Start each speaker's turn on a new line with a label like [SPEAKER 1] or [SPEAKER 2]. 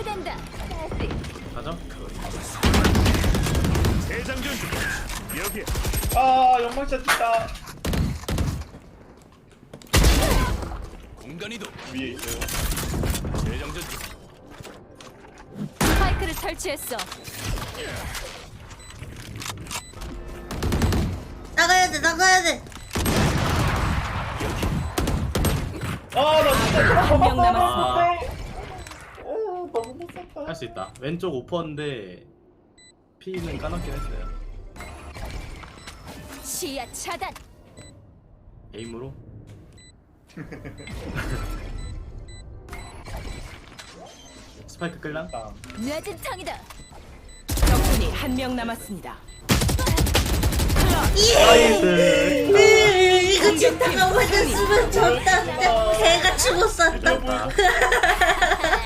[SPEAKER 1] 준비된다.
[SPEAKER 2] 가자.
[SPEAKER 3] 대장전 중. 여기야.
[SPEAKER 4] 아 연막샷 있다.
[SPEAKER 3] 공간이도
[SPEAKER 4] 위에 있어요.
[SPEAKER 3] 대장전 중.
[SPEAKER 1] 스파이크를 설치했어.
[SPEAKER 5] 나가야 돼, 나가야 돼.
[SPEAKER 4] 아나 진짜
[SPEAKER 6] 한 명 남았습니다.
[SPEAKER 4] 오 너무 못 썼다.
[SPEAKER 2] 할 수 있다. 왼쪽 오퍼인데 P는 까놓긴 했어요.
[SPEAKER 1] 시야 차단.
[SPEAKER 2] 에임으로. 스파이크 끌랑?
[SPEAKER 1] 늦은 탕이다.
[SPEAKER 6] 적군이 한 명 남았습니다.
[SPEAKER 2] 나이스.
[SPEAKER 5] 이거 진짜가 맞았으면 졌다. 개가 죽었었다.
[SPEAKER 2] 됐다.